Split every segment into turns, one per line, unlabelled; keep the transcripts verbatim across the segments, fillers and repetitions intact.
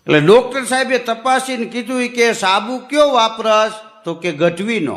એટલે ડોક્ટર સાહેબે તપાસીને કીધું કે સાબુ કયો વાપરસ તો કે ગઢવીનો.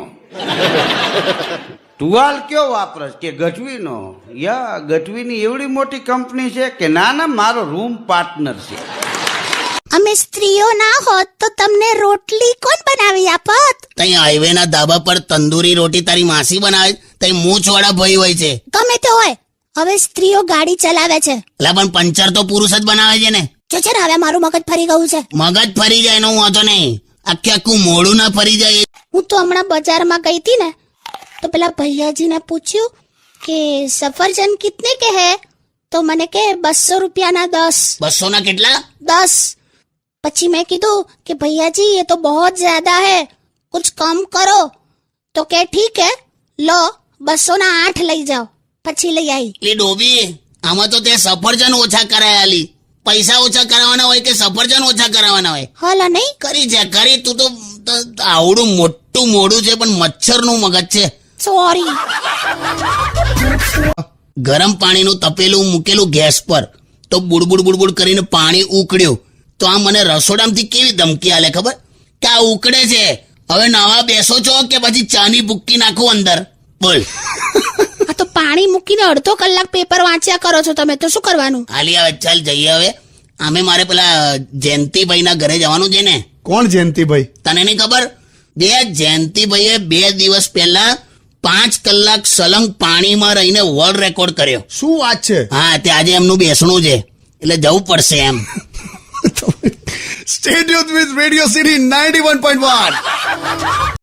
ટુવાલ કયો વાપરસ કે ગઢવીનો. યા ગઢવીની એવડી મોટી કંપની છે કે ના ના મારો રૂમ પાર્ટનર છે.
અમે સ્ત્રીઓ ના હોત તો તમને રોટલી કોણ બનાવી આપત?
તઈ હાઈવે ના ધાબા પર તંદૂરી રોટી તારી માસી બનાવે, તઈ મૂછ વાળા ભાઈ હોય છે.
ગમે તે હોય, હવે સ્ત્રીઓ ગાડી ચલાવે છે.
એટલે પણ પંચર તો પુરુષ જ બનાવે છે ને.
જો છે ને હવે મારું મગજ ફરી ગયું છે.
મગજ ફરી જાય એનો હું વાંધો નહીં, આખે આખું મોડું ના ફરી જાય.
હું તો હમણાં બજારમાં ગઈ હતી ને તો પેલા ભૈયાજીને પૂછ્યું કે સફરજન કિતને કે હે, તો મને કે બસો રૂપિયાના દસ.
બસો ના કેટલા?
દસ. પછી મેં કીધું કે ભૈયાજી ये तो बहुत ज्यादा है, कुछ कम करो. तो કે ઠીક હે, લો બસો ના આઠ લઈ જાઓ. પછી લઈ આવી.
લી ડોબી, આમાં તો તે સફરજન ઓછા કરાયા લી. પૈસા ઓછા કરાવવાના હોય કે સફરજન ઓછા કરાવવાના હોય?
હલા નહીં
કરી છે કરી. તું તો આવડું મોટું મોડું છે પણ મચ્છર નું મગજ છે.
સોરી.
ગરમ પાણીનું તપેલું મૂકેલું ગેસ પર, તો બુડબુડ બુડબુડ કરીને પાણી ઉકળ્યું. તો આ મને રસોડામાંથી કેવી ધમકી આલે ખબર કે આ ઉકળે છે, હવે નાવા બેસો છો કે પછી ચાની ભૂક્કી નાખો અંદર? બોલ.
આ તો પાણી મૂકીને અડધો કલાક પેપર વાંચ્યા કરો છો તમે, તો શું કરવાનું?
હાલી હવે ચાલ જઈએ. હવે આમે મારે પેલા જયંતિભાઈ ના ઘરે જવાનું છે ને.
કોણ જયંતિભાઈ?
તને નહીં ખબર? બે જયંતિભાઈએ બે દિવસ પહેલા પાંચ કલાક સલંગ પાણીમાં રહીને વર્લ્ડ રેકોર્ડ કર્યો.
શું વાત છે?
હા, તે આજે એમનું બેસણું છે એટલે જવું પડશે એમ.
Stay tuned with Radio City ninety-one point one.